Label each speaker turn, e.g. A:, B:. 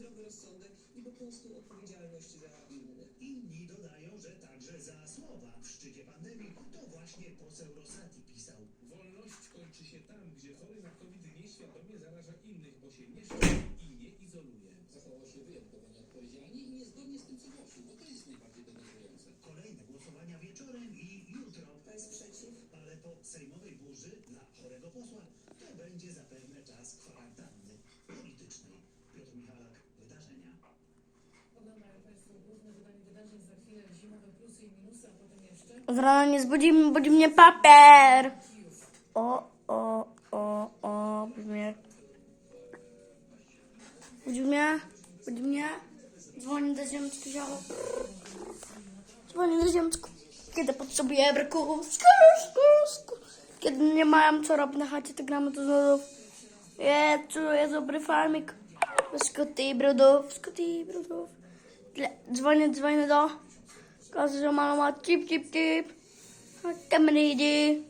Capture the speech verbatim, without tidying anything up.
A: zdrowy rozsądek i po prostu odpowiedzialność za innych.
B: Inni dodają, że także za słowa w szczycie pandemii to właśnie poseł Rosati pisał.
C: Wolność kończy się tam, gdzie chory na COVID nieświadomie zaraża innych, bo się nie szczepi i nie izoluje.
D: Zachował się wyjątkowo nieodpowiedzialnie i niezgodnie z tym, co głosił, bo to jest najbardziej denerwujące.
B: Kolejne głosowania wieczorem i jutro.
A: To jest przeciw.
B: Ale po sejmowej burzy dla chorego posła to będzie zapewne czas kwarantanny politycznej. Piotr Michalak, wydarzenia.
E: Oglądają Państwo główne wydanie wydarzeń, za chwilę zimowe plusy i minusy, a potem jeszcze
F: Z rana nie zbudzi, budzi mnie papier. O, o, o, o, budzi mnie. Budzi mnie, budzi mnie. Dzwoni do ziemczku, ziało. Dzwoni do ziemczku. Kiedy potrzebuję braków. Skur, skur, skur. Kiedy nie mam co robić na chacie, to gramy do znów. Jezu, jest dobry farmik. Skuty i brudów, skuty i brudów. Dzwonię, dzwonię do... Każe, że mama ma cip, cip, cip. Kamery.